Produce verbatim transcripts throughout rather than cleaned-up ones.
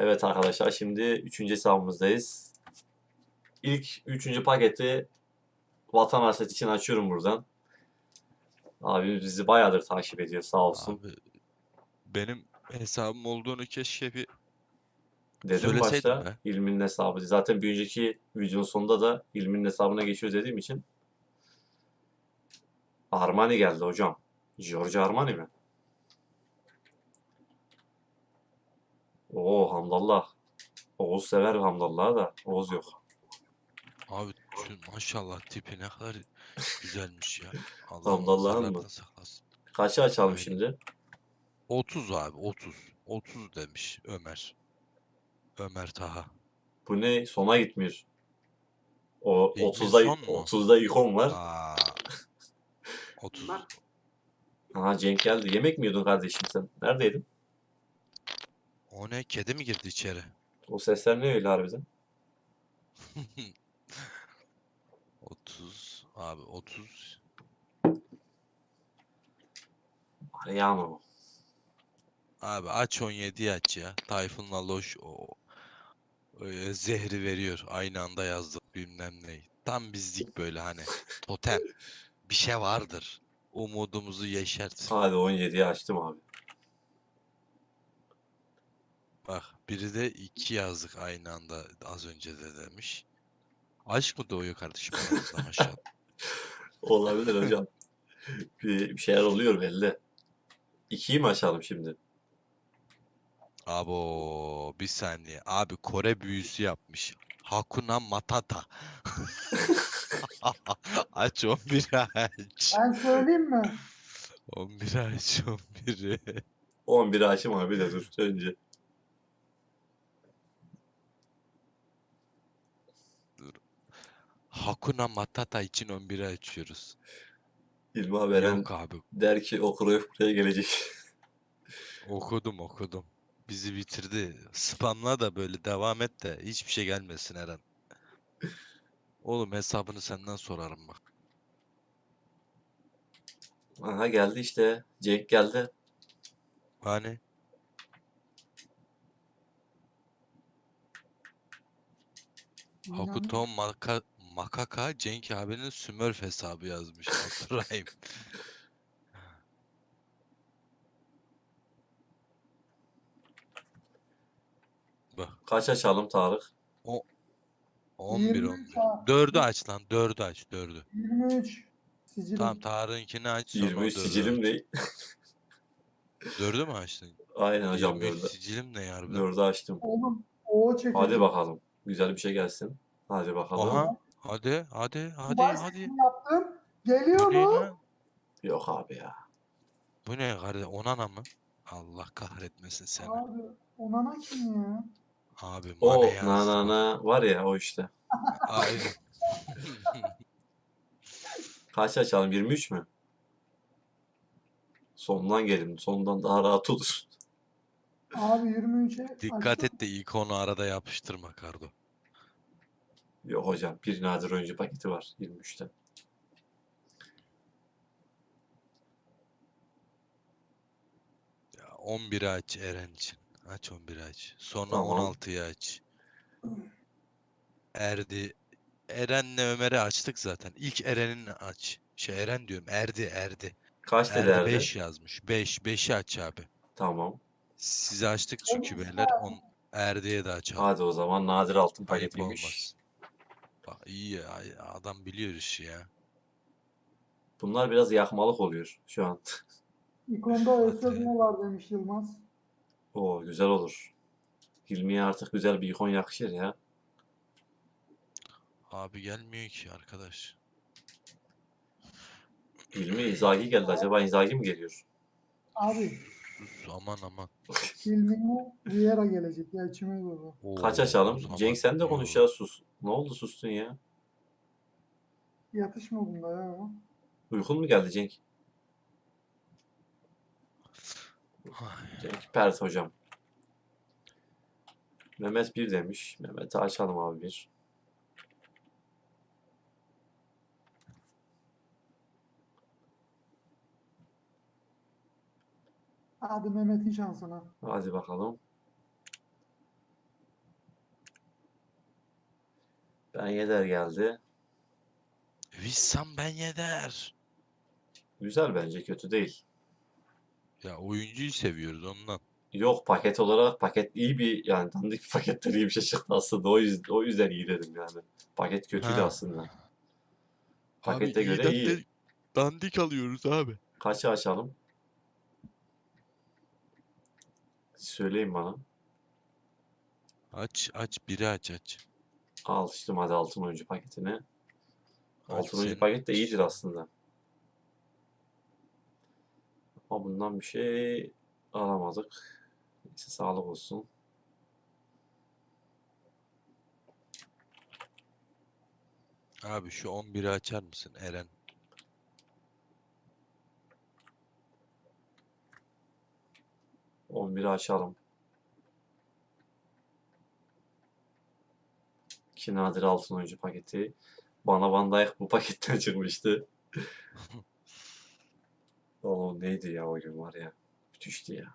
Evet arkadaşlar, şimdi üçüncü hesabımızdayız. İlk üçüncü paketi Vatan Hasret için açıyorum buradan. Abimiz bizi bayağıdır takip ediyor, sağ olsun. Abi benim hesabım olduğunu keşke bir Dedim söyleseydin başta be. İlmi'nin hesabı. Zaten bir önceki videonun sonunda da İlmi'nin hesabına geçiyor dediğim için. Armani geldi hocam. Giorgio Armani mi? Oo, Hamdallah. Oğuz sever Hamdallah'ı da. Oğuz yok. Abi şu maşallah tipi ne kadar güzelmiş ya. Allah Hamdallah'ın mı? nazarlardan saklasın. Kaça açalım Aynen. şimdi? otuz abi otuz. otuz demiş Ömer. Ömer Taha. Bu ne? Sona gitmiyor. O Ligin otuzda son mu? otuzda ikon var. Aa, otuz. Aha, Cenk geldi. Yemek mi yiyordun kardeşim sen? Neredeydin? O ne? Kedi mi girdi içeri? O sesler ne öyle harbiden? otuz. Abi otuz. Yağmur mu? Abi aç on yediyi aç ya. Tayfun'la Loş o e, zehri veriyor. Aynı anda yazdık bilmem ne. Tam bizlik böyle hani. Totem. Bir şey vardır. Umudumuzu yeşertsin. Hadi on yediyi açtım abi. Bak biri de iki yazdık aynı anda az önce de demiş. Aşk mı doğuyor kardeşim aranızda maşallah. Olabilir hocam. Bir, bir şeyler oluyor belli. ikiyi mi açalım şimdi? Abo bir saniye. Abi Kore büyüsü yapmış. Hakuna Matata. Aç on bir aç. Ben söyleyeyim mi? on bir aç on biri. on biri açayım abi de dur önce. Dur. Hakuna Matata için on biri açıyoruz. İlma veren Yok abi. der ki o Cruyff buraya gelecek. Okudum okudum. Bizi bitirdi. Spamla da böyle devam et de hiçbir şey gelmesin Eren. Oğlum hesabını senden sorarım bak. Aha, geldi işte. Cenk geldi. Hani İnan. Hakuto Maka Makaka Cenk abinin Smurf hesabı yazmış Abdurrahim. Bak Kaç açalım Tarık? o on bir yirmi üç on bir. ha. dördü aç lan dördü aç dördü. yirmi üç Tamam sicilim. Tarık'ınkini aç sonra yirmi üç o dördü sicilim aç. ne? Dördü mü açtın? Aynen hocam, yirmi üç dördü. sicilim ne harbiden? Dördü açtım. Oğlum o Hadi çekecek. bakalım. Güzel bir şey gelsin. Hadi bakalım. Aha hadi hadi hadi Dubai hadi. seçimi yaptım. Bu Geliyor ne mu? lan? Yok abi ya. Bu ne kardeş? Onana mı? Allah kahretmesin seni. Abi Onana kim ya? Abi Mane O na yazdı na bak. na var ya, o işte. Aynen. Kaç açalım? yirmi üç mü? Sondan gelin. Sondan daha rahat olur. Abi yirmi üçe Dikkat açtım. et de ikonu arada yapıştırma Kardo. Yok hocam. Bir nadir oyuncu paketi var yirmi üçte. Ya on biri aç Eren için. Aç on biri aç. Sonra Tamam. on altıyı aç. Erdi. Eren'le Ömer'i açtık zaten. İlk Eren'ini aç. Şey Eren diyorum. Erdi Erdi. Kaç dedi Erdi Erdi? beş yazmış. beş. beşi aç abi. Tamam. Sizi açtık Ben çünkü işte beyler. On Erdi'ye de açalım. Hadi o zaman nadir altın Ayıp paketiymiş. olmaz. Bak iyi ya. Adam biliyor işi ya. Bunlar biraz yakmalık oluyor şu an. ikonda Hadi. Özsözme var demiş Yılmaz. Oo, güzel olur. Hilmi'ye artık güzel bir ikon yakışır ya. Abi gelmiyor ki arkadaş. Hilmi Inzaghi geldi. Acaba Inzaghi mi geliyor? Abi Sus aman aman. filmine Riera gelecek. Ya içime doğru. Kaç Oo, o açalım? Cenk zaman sen de konuş yo. ya, sus. Ne oldu, sustun ya? Yatış modunda ya ama. Uykun mu geldi Cenk? Ay, Cenk Pert hocam. Mehmet bir demiş. Mehmet'i açalım abi bir. Hadi Mehmet'in şansına. Hadi bakalım. Ben Yedder geldi. Vissam Ben Yedder. Güzel bence, kötü değil. Ya oyuncuyu seviyoruz ondan. Yok, paket olarak paket iyi bir, yani dandik bir paketten iyi bir şey çıktı aslında. O yüzden, o yüzden iyi dedim yani. Paket kötüydü Ha. aslında. Abi Pakete göre iyiden iyi. de dandik alıyoruz abi. Kaçı açalım? Söyleyin bana. Aç aç biri aç aç. Al işte hadi altın oyuncu paketini. Aç Altın oyuncu senin paket de aç. iyidir aslında. Ama bundan bir şey alamadık. Neyse, sağlık olsun. Abi şu on biri açar mısın Eren? on biri açalım. İki nadir altın oyuncu paketi. Bana Van Dijk bu paketten çıkmıştı. O neydi ya, o gün var ya. Müthişti ya.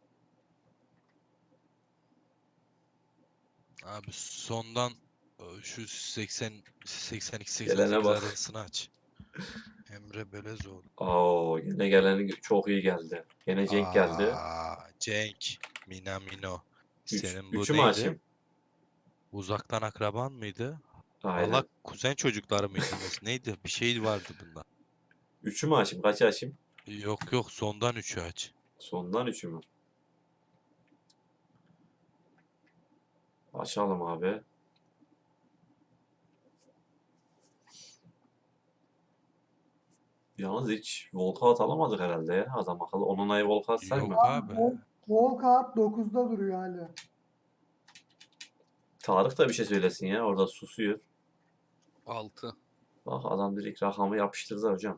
Abi sondan e, şu seksen seksen iki seksen Gelene sekiz bak. arasını aç. Emre Belezoğlu. Oo, yine geleni çok iyi geldi. Yine Cenk geldi. Aa, Cenk. Minamino. Üç, Senin bu üçü mü neydi? açayım? Uzaktan akraban mıydı? Hala Aynen. kuzen çocukları mıydınız? Neydi? Bir şey vardı bunda. Üçü mü açayım? Kaçı açayım? Yok yok sondan üçü aç. Sondan üçü mü? Açalım abi. Yalnız hiç walkout alamadık herhalde ya. Adam akıllı. Onunayı walkout sayma. Yok abi. Vol Volkart dokuzda duruyor hala. Tarık da bir şey söylesin ya. Orada susuyor. altı. Bak, adam direkt rakamı yapıştırdı hocam.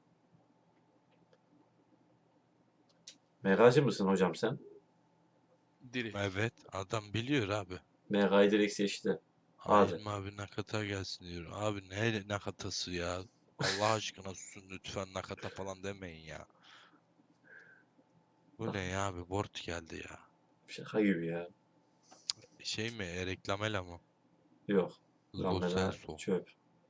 Megacı mısın hocam sen? Diri. Evet adam biliyor abi. Mega'yı direkt seçti. Hadi. Halim abi nakata gelsin diyor. Abi ne nakatası ya? Allah aşkına susun lütfen nakata falan demeyin ya. Bu ne ya abi? Bort geldi ya. Şaka gibi ya. Şey mi? E, reklamela mı? Yok. Lo Lamela Celso. çöp.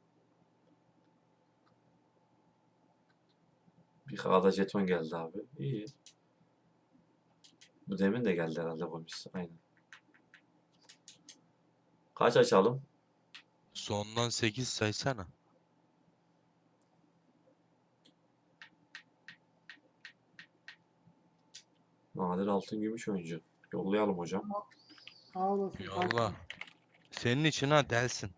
Bir kağıda jeton geldi abi. İyi. Bu demin de geldi herhalde Gomis. Aynen. Kaç açalım? Sondan sekiz saysana. Nadir altın gümüş oyuncu. Yollayalım hocam. Sağ olasın. Allah. Senin için ha delsin.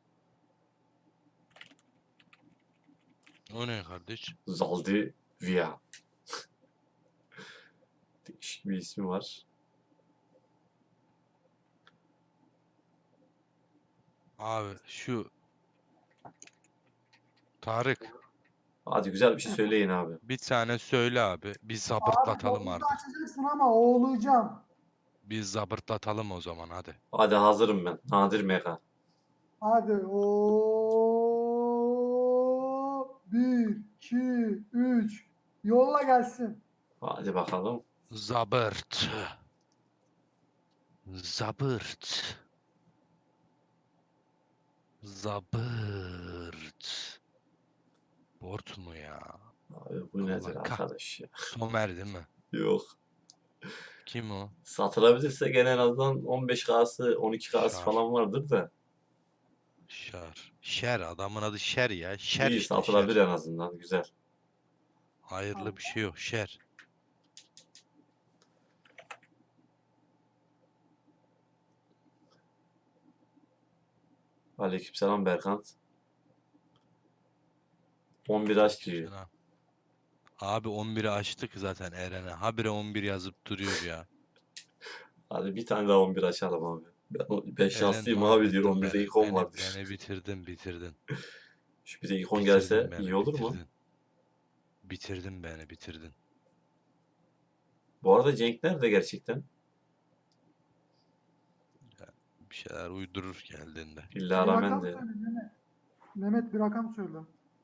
O ne kardeş? Zaldi Via. Değişik bir ismi var. Abi şu Tarık Hadi güzel bir şey söyleyin abi. bir tane söyle abi. Bir Abi zabırtlatalım dokuzu artık. açacaksın ama oğlayacağım. Bir zabırtlatalım o zaman hadi. Hadi hazırım ben. Nadir Mega. Hadi o bir, iki, üç. Yolla gelsin. Hadi bakalım. Zabırt. Zabırt. Zabırt. Bort mu ya? Abi bu Allah nedir kah- arkadaş ya? Somer değil mi? Yok. Kim o? Satılabilirse gene en azından on beş K'sı on iki K'sı Şar. falan vardır da. Şer. Şer adamın adı Şer ya. Şer İyi, işte satılabilir Şer. en azından. Güzel. Hayırlı bir şey yok. Şer. Aleykümselam Berkant. on bir aç diyor. Selam. Abi on biri açtık zaten Eren'e. Habire on bir yazıp duruyor ya. Hadi bir tane daha on bir açalım abi. Ben, ben Eren şanslıyım abi diyor. mahvettin on birde beni. ikon Beni, vardır. beni bitirdin bitirdin. Şu bir de ikon Bitirdin gelse beni iyi olur mu? bitirdin. Bitirdin beni bitirdin. Bu arada Cenk nerede gerçekten? Bir şeyler uydurur geldiğinde. İlla Bir rağmen rakam de. söyle Mehmet. Mehmet bir rakam söyle.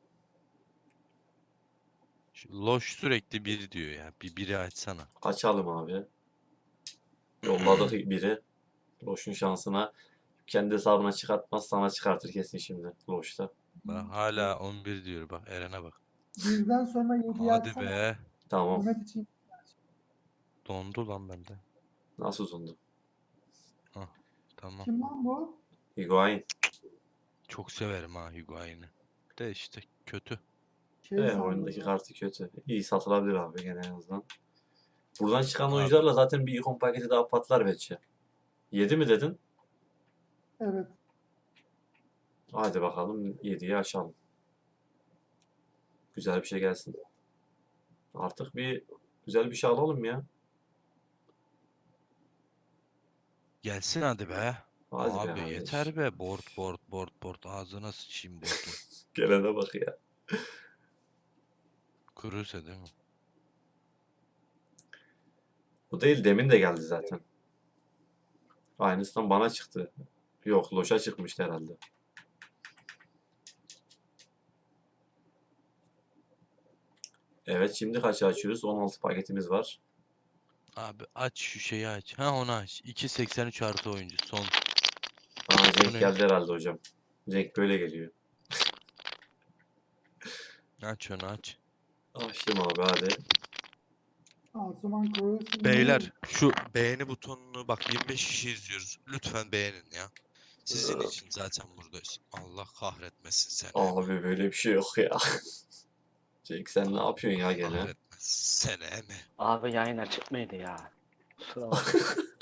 Şu Loş sürekli bir diyor ya. Bir biri açsana. Açalım abi. Yolladık biri. Roş'un şansına. kendi hesabına çıkartmaz, sana çıkartır kesin şimdi Loş'ta. Bak hala on bir diyor bak Eren'e bak. Birden sonra yediyi Hadi açsana. be. Tamam. Mehmet için Dondu lan bende. Nasıl uzundu? Tamam. kim lan bu? Higuain. Çok severim ha Higuain'i. De işte kötü. Şey Evet, sandım oyundaki ya. kartı kötü. İyi satılabilir abi gene en azından. Buradan çıkan Abi. oyuncularla zaten bir ikon paketi daha patlar bence. yedi mi dedin? Evet. Hadi bakalım yediyi aşalım. Güzel bir şey gelsin. Artık bir güzel bir şey alalım ya. Gelsin hadi be. Hadi be Abi kardeş. yeter be. Board board board board. Ağzına sıçayım board'un. Gelene bak ya. Kuruysa değil mi? Bu değil, demin de geldi zaten. Aynısından bana çıktı. Yok, Loş'a çıkmıştı herhalde. Evet, şimdi kaçı açıyoruz? on altı paketimiz var. Abi aç şu şeyi aç. Ha onu aç. iki seksen üç artı oyuncu son. Aa, Bu Cenk ne? geldi herhalde hocam. Cenk böyle geliyor. Aç onu aç. Açtım abi hadi. Asuman Kroos'un Beyler şu beğeni butonunu bak yirmi beş kişi izliyoruz. Lütfen beğenin ya. Sizin Ee, için zaten buradayız. Allah kahretmesin seni. Abi böyle bir şey yok ya. Cenk sen ne yapıyorsun ya gene? Kahretmesin seni emi. Abi yayın açık mıydı ya? Kusura bakma.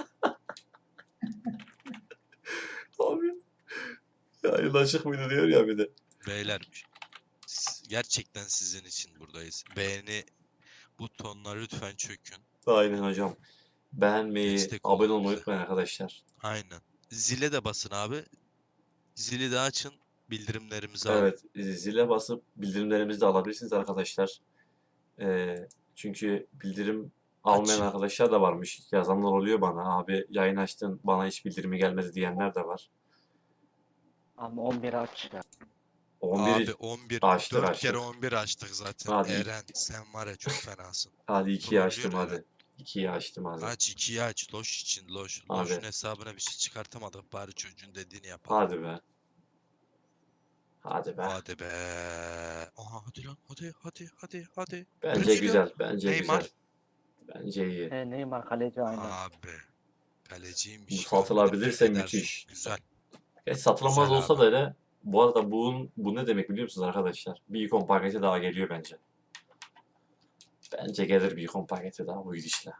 Abi. Yayın açık mıydı diyor ya bir de. Beyler s- gerçekten sizin için buradayız. Beğeni butonuna lütfen çökün. Aynen hocam. Beğenmeyi, Destek abone olun olmayı bize. unutmayın arkadaşlar. Aynen. Zile de basın abi. Zili de açın. Bildirimlerimizi alın. Evet, zile basıp bildirimlerimizi de alabilirsiniz arkadaşlar. Ee, çünkü bildirim almayan Aç. arkadaşlar da varmış. Yazanlar oluyor bana. Abi yayın açtın, bana hiç bildirimi gelmedi diyenler de var. Ama on bir aç ya. on Abi biri on bir. açtık dört kere açtık. on bir açtık zaten. Hadi. Eren sen var ya çok fenasın. Hadi ikiyi açtım Trollüyor hadi. Eren. ikiyi açtım hadi. Aç ikiyi aç. Loş için loş. Hadi. Loş'un hesabına bir şey çıkartamadık. Bari çocuğun dediğini yapalım. Hadi be. Hadi be. Hadi be. Aha hadi lan. Hadi hadi hadi hadi. Bence Brezilya. güzel. Bence Neymar. güzel. Bence iyi. E, Neymar kaleci aynen. Abi. Kaleciymiş. Bu Görmedim de satılabilirse Ederson. müthiş. Güzel. Geç satılamaz Güzel olsa abi. da öyle. Bu arada bunun, bu ne demek biliyor musunuz arkadaşlar? Bir ikon paketi daha geliyor bence. Bence gelir bir ikon paketi daha bu gidişle.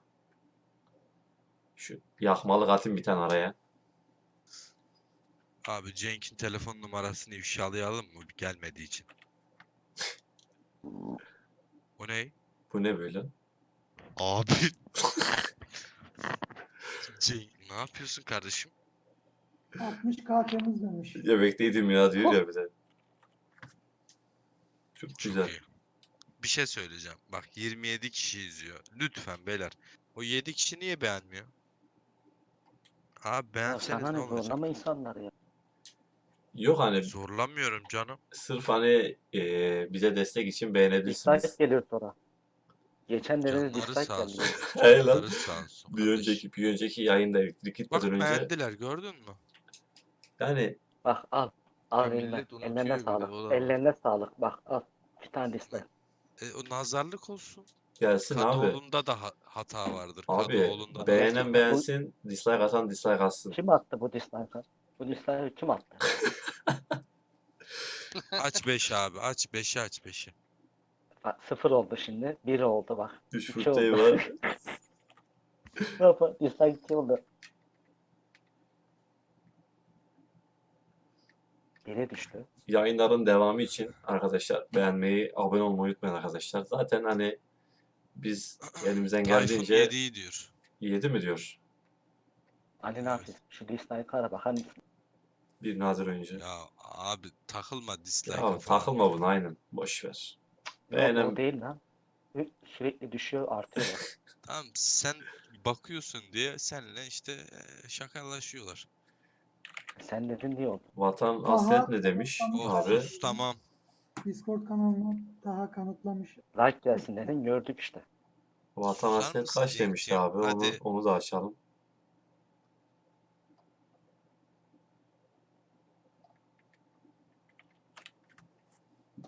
Şu yakmalık atayım bir tane araya. Abi Cenk'in telefon numarasını ifşalayalım mı gelmediği için? O ne? Bu ne böyle? Abi. Cenk ne yapıyorsun kardeşim? altmış K temizlemiş. Yemekteydim ya diyor ya bir de. Çok Çok güzel. iyi. Bir şey söyleyeceğim. Bak yirmi yedi kişi izliyor. Lütfen beyler. O yedi kişi niye beğenmiyor? Abi Ya beğenseniz sana ne ne olacak? zorlama insanlar ya. Yok hani Zorlamıyorum canım. sırf hani e, bize destek için beğenebilirsiniz. Dislike geliyor sonra. Geçenlerde de Canları dislike sağ geldi. olsun. Hey lan. Canları sağ olsun Bir kardeş. önceki bir önceki yayında elektrik Bak gitmeden önce beğendiler gördün mü? yani Bak al. Al Ya eline. millet unutuyor Ellerine bir de, sağlık. o da var. Ellerine sağlık. Bak al. Bir tane dislike. E, o nazarlık olsun. gelsin abi. Kadıoğlu'nda da ha- hata vardır. Abi Kadıoğlu'nda da beğenen hata var. beğensin, dislike atan dislike atsın. Kim attı bu dislike'ı? Bu dislike'ı kim attı? Aç beş abi. Aç beşi aç beşi. Bak, sıfır oldu şimdi. bir oldu bak. Üç iki fırtayı oldu. var. Ne yapalım? Dislike iki oldu. Bire düştü. Yayınların devamı için arkadaşlar beğenmeyi, abone olmayı unutmayın arkadaşlar. Zaten hani biz elimizden Tayfun geldiğince yediyi diyor. yedi mi diyor Ali Nafiz. Şu dislike'ı ara bakar mısın? bir nazır oyuncu. Ya abi takılma dislike'a Ya falan. takılma buna aynen. Boş ver. Yok Beğenen o değil lan. Sü- Sürekli düşüyor artıyor. bak. Tamam sen bakıyorsun diye seninle işte e, şakalaşıyorlar. Sen dedin diye oldu. vatan Aha. hasret ne demiş Of abi? sus tamam. Discord kanalına daha kanıtlamış. Like gelsin dedin gördük işte. Vatan Susar hasret mısın kaç demişti Cenk'ciğim? abi? Onu Hadi. onu da açalım.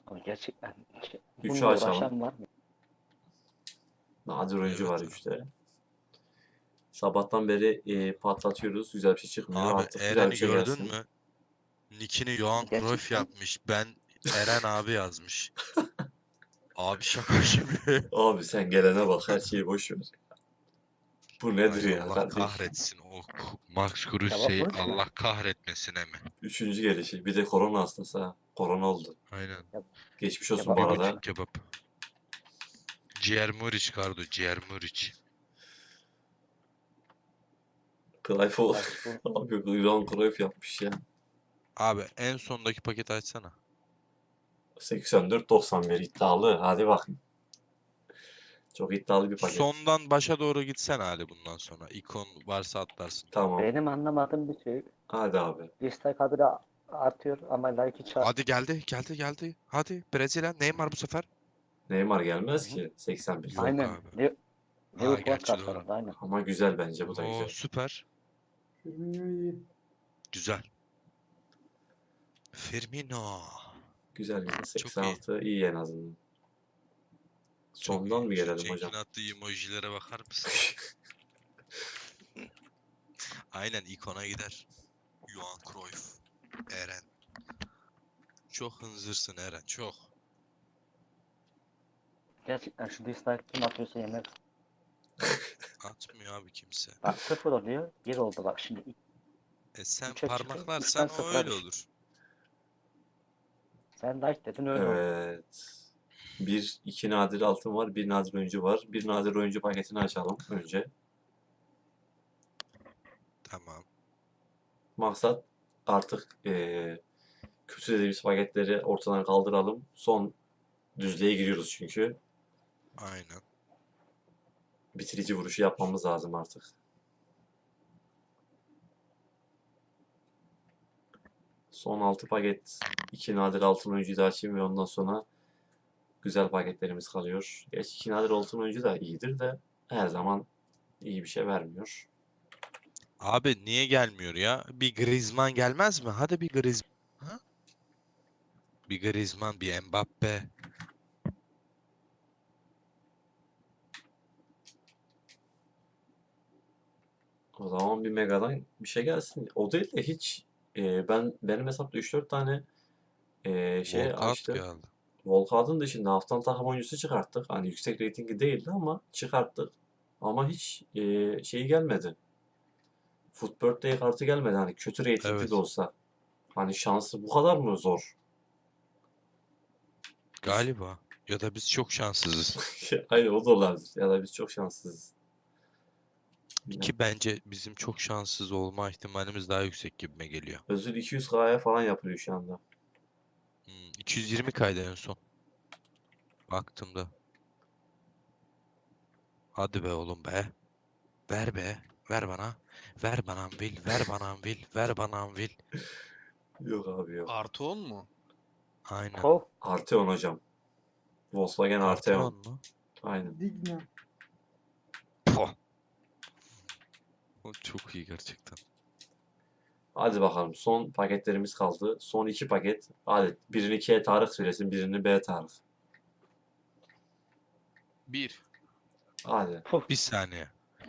Abi gerçekten ki- Üçü bununla açalım. uğraşan var mı? Nadir oyuncu Evet var abi. üçte. Sabahtan beri e, patlatıyoruz. Güzel bir şey çıkmıyor. Abi Artık güzel bir Eren'i şey gördün gelsin. mü? Nick'ini Johan Cruyff Gerçekten yapmış. Ben Eren abi yazmış. Abi şaka gibi. Abi sen gelene bak. Her şeyi boş ver. Bu nedir Ay ya Allah kardeş? kahretsin o K- Max cevap Krusey'i konuşma. Allah kahretmesine mi? Üçüncü gelişi. Bir de korona hastası ha. Korona oldu. Aynen. Geçmiş olsun Kebap bu Bir arada. buçuk kebap. Ciğer Muriç Kardo, ciğer Muriç. Cruyff o. Bak bu Abi Johan Cruyff yapmış ya. Abi en sondaki paketi açsana. seksen dört doksan bir iddialı. Hadi bakayım. Çok iddialı bir paket. Sondan başa doğru gitsen hali bundan sonra. İkon varsa atlarsın. Tamam. benim anlamadığım bir şey. Hadi abi. Dislike haberi artıyor ama like hiç art- Hadi geldi, geldi, geldi. Hadi Brezilya, Neymar bu sefer. Neymar gelmez Hı hı. ki. seksen bir. Yok Aynen. abi. Ne, Ha, Liverpool gerçi kart var doğru. orada aynen. Ama güzel bence. Bu da Oo güzel. süper. Firmino iyi. Güzel. Firmino. Güzel güzel. Çok seksen iyi. altı iyi en azından. Çok Sondan iyi. mı Şu gelelim Cenk'in hocam? attığı emojilere bakar mısın? Aynen ikona gider. Johan Cruyff. Eren. Çok hınzırsın Eren, çok. Gerçekten şu dislike kim atıyorsa yemek. Atmıyor abi kimse. Bak sıfır oluyor. Bir oldu bak şimdi. E sen Üçe çıktı, parmaklarsan üçten o sıfıra öyle düştü. olur. Sen like dedin öyle oldu. Evet. Bir, iki nadir altın var. Bir nadir oyuncu var. Bir nadir oyuncu paketini açalım önce. Tamam. Maksat artık eee kötü dediğimiz paketleri ortadan kaldıralım. Son düzlüğe giriyoruz çünkü. Aynen. Bitirici vuruşu yapmamız lazım artık. Son altı paket. iki nadir altın oyuncuyu da açayım ve ondan sonra güzel paketlerimiz kalıyor. Gerçi iki nadir altın oyuncu da iyidir de her zaman iyi bir şey vermiyor. Abi niye gelmiyor ya? Bir Griezmann gelmez mi? Hadi bir Griezmann. Ha? Bir Griezmann, bir Mbappe. O zaman bir Mega'dan bir şey gelsin. O değil de hiç e, ben benim hesapta üç dört tane e, şey Walcott açtım. geldi. Volkan'ın dışında haftanın takım oyuncusu çıkarttık. Hani yüksek reytingi değildi ama çıkarttık. Ama hiç e, şeyi gelmedi. Foot Birthday kartı gelmedi. Hani kötü reytingli de Evet. olsa. Hani şansı bu kadar mı zor? Galiba. Ya da biz çok şanssızız. Hayır o da olabilir. Ya da biz çok şanssızız. Ki bence bizim çok şanssız olma ihtimalimiz daha yüksek gibime geliyor. Özür iki yüz K'ya falan yapılıyor şu anda. Hmm, iki yüz yirmi kaydı en son. Baktığımda. Hadi be oğlum be. Ver be. Ver bana. Ver bana Anvil. Ver bana Anvil. Ver bana Anvil. Yok abi yok. Artı on mu? Aynen. Kov. Arteon hocam. Volkswagen Arteon. Arteon mu? Aynen. Digna. Poh. O çok iyi gerçekten. Hadi bakalım. Son paketlerimiz kaldı. Son iki paket. Hadi birini K Tarık söylesin. Birini B Tarık. Bir. Hadi. Puh. Bir saniye.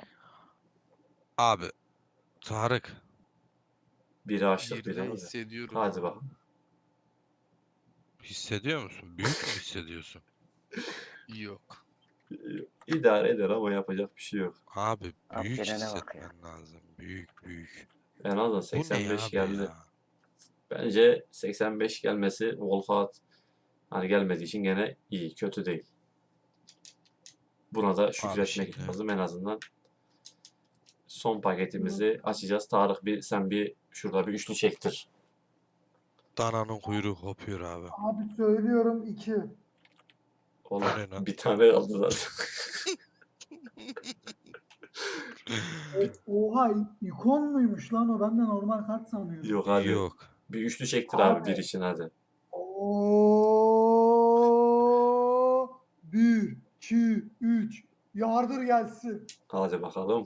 Abi. Tarık. Biri açtık Birde biri. hissediyorum. Hadi ya. bakalım. Hissediyor musun? Büyük mü hissediyorsun? Yok. İdare eder ama yapacak bir şey yok. Abi Abi büyük gelene bak ya. hissetmen lazım. Büyük büyük. En azından Bu ne seksen beş abi geldi. ya? Bence seksen beş gelmesi Volkat hani gelmediği için gene iyi. Kötü değil. Buna da şükretmek şimdi- lazım en azından. Son paketimizi açacağız. Tarık bir sen bir şurada bir üçlü çektir. Dananın kuyruğu kopuyor abi. Abi söylüyorum iki. Oğlum O ne lan? bir tane kaldı zaten. Oha i- ikon muymuş lan o? Ben de normal kart sanıyorum. Yok hadi. Yok. Bir üçlü çektir abi, Abi. bir için hadi. Oo, bir, iki, üç. Yardır gelsin. Hadi bakalım.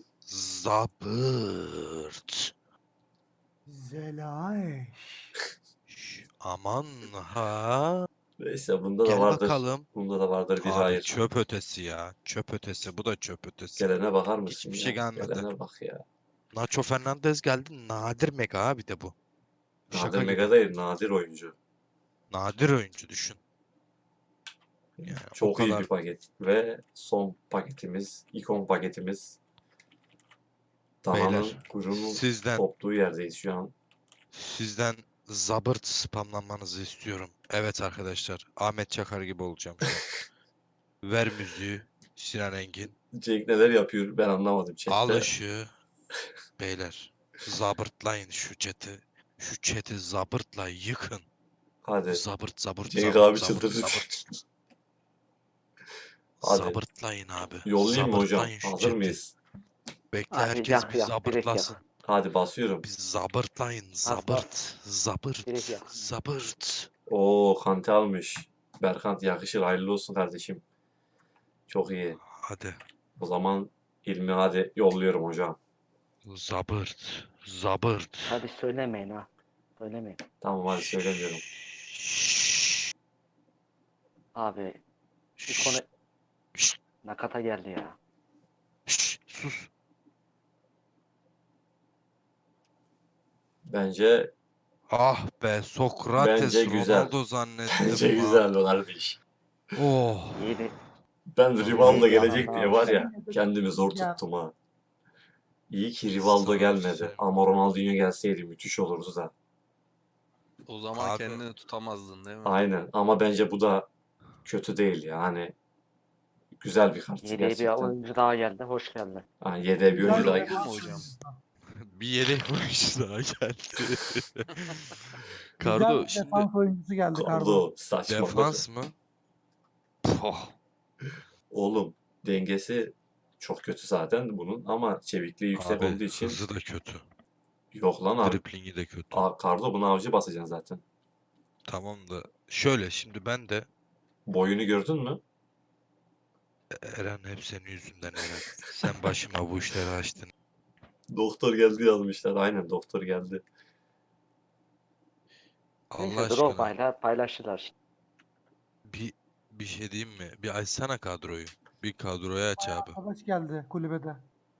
Zabırt. Zelaeş. Şş, aman ha. Neyse bunda da Gel vardır. bakalım. Bunda da vardır bir Abi hayır. çöp ötesi ya. Çöp ötesi. Bu da çöp ötesi. Gelene bakar mısın Hiçbir ya? şey gelmedi. Gelene bak ya. Nacho Fernandez geldi. Nadir mega abi de bu. Nadir Şaka gibi. mega değil, nadir oyuncu. Nadir oyuncu düşün. Yani o Çok iyi kadar bir paket. Ve son paketimiz, ikon paketimiz. Dana'nın beyler. kuyruğunun Sizden koptuğu yerdeyiz şu an. sizden zabırt spamlanmanızı istiyorum. Evet arkadaşlar. Ahmet Çakar gibi olacağım şu an. Ver müziği. Sinan Engin. Cenk neler yapıyor ben anlamadım Al chatte. ışığı. Beyler. Zabırtlayın şu chat'i. Şu chat'i zabırtla yıkın. Hadi. Zabırt zabırt Cenk zabırt abi zabırt çıldırdı. zabırt. Hadi. Zabırtlayın abi. Yollayayım mı hocam? Zabırtlayın şu Hazır chat'i. mıyız? Bekle Abi herkes yak bir yak direkt zabırtlasın. yak. Hadi basıyorum. Bir zabırtlayın. Zabırt. Zabırt. Direkt yak. Zabırt. Oo Kante almış. Berkant yakışır. Hayırlı olsun kardeşim. Çok iyi. Hadi. O zaman ilmi hadi yolluyorum hocam. Zabırt. Zabırt. Hadi söylemeyin ha. Söylemeyin. Tamam hadi söylemiyorum. Şşş. Abi bir konu Şşş. nakata geldi ya. Şşş. Sus. Bence Ah be Sokrates Bence güzel. Ronaldo zannettim bence lan. güzel o kardeş. Oh. Yeni Ben Vallahi Rivaldo iyi bir gelecek adam diye daha var ya almış. kendimi zor Ya. tuttum ha. İyi ki Rivaldo Sana gelmedi. söyleyeyim. Ama Ronaldinho gelseydi müthiş olurdu da. O zaman Abi. kendini tutamazdın değil mi? Aynen ama bence bu da kötü değil yani. Güzel bir kart yeni bir gerçekten. oyuncu daha geldi. Hoş geldin. Ha, yedeğe bir Güzel oyuncu daha bir Oldu geldi. mu hocam? Bir yedek oyuncu daha geldi. Güzel Kardo şimdi defans oyuncusu geldi Kardo. Kardo saçmalık. defans mı? Poh. Oğlum dengesi çok kötü zaten bunun ama çevikliği yüksek Abi olduğu için hızı da kötü. yok lan abi. Driplingi de kötü. Aa, Kardo bunu avcı basacaksın zaten. Tamam da şöyle şimdi ben de Boyunu gördün mü? Eren hep senin yüzünden Eren. Sen başıma bu işleri açtın. Doktor geldi yazmışlar. Aynen doktor geldi. Allah Neyse aşkına Drogba'yla paylaştılar. şimdi. bir bir şey diyeyim mi? Bir açsana kadroyu. Bir kadroyu aç abi. Arkadaş geldi kulübede.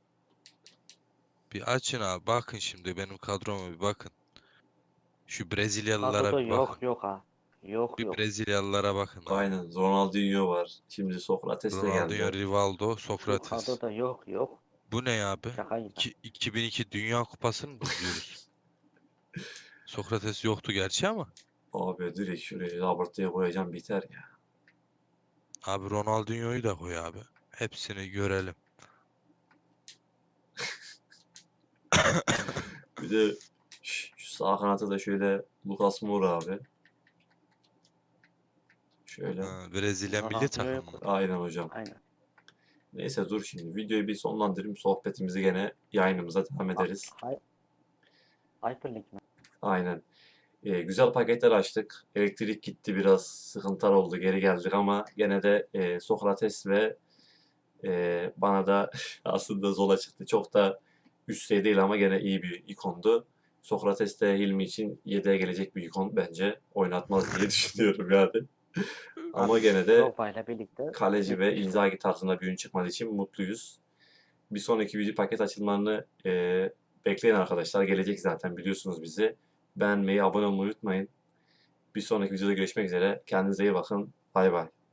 Bir açın abi. Bakın şimdi benim kadroma bir bakın. Şu Brezilyalılara Kadroda bir yok bakın. yok ha. Yok Bir yok. Brezilyalılara bakın abi. Aynen. Ronaldinho var. Şimdi Sokrates de Ronaldinho, geldi. Rivaldo, Şu Sokrates. kadroda yok yok. Bu ne abi? Şaka gibi. İki- iki bin iki Dünya Kupası'nı mı izliyoruz? Sokrates yoktu gerçi ama. Abi direkt şuraya Robert diye koyacağım biter ya. Abi Ronaldinho'yu da koy abi. Hepsini görelim. Bir de ş- şu sağ kanata da şöyle Lucas Moura abi. Şöyle. Ha, Brezilya milli Ronaldinho'yu takımı. koy. Aynen hocam. Aynen. Neyse dur şimdi videoyu bir sonlandırayım. Sohbetimizi gene yayınımıza devam ederiz. Hay Hyperlink mi? Aynen. Ee, güzel paketler açtık. Elektrik gitti biraz sıkıntılar oldu. Geri geldik ama gene de e, Sokrates ve e, bana da aslında Zola çıktı. Çok da üst seviye değil ama gene iyi bir ikondu. Sokrates de Hilmi için yedeğe gelecek bir ikon bence. Oynatmaz diye düşünüyorum yani. Ama gene de Drogba'yla birlikte kaleci ve müthiş. Inzaghi tarzında bir oyun çıkmadığı için mutluyuz. Bir sonraki video paket açılımlarını e, bekleyin arkadaşlar. Gelecek zaten biliyorsunuz bizi. Beğenmeyi, abone olmayı unutmayın. Bir sonraki videoda görüşmek üzere. Kendinize iyi bakın. Bay bay.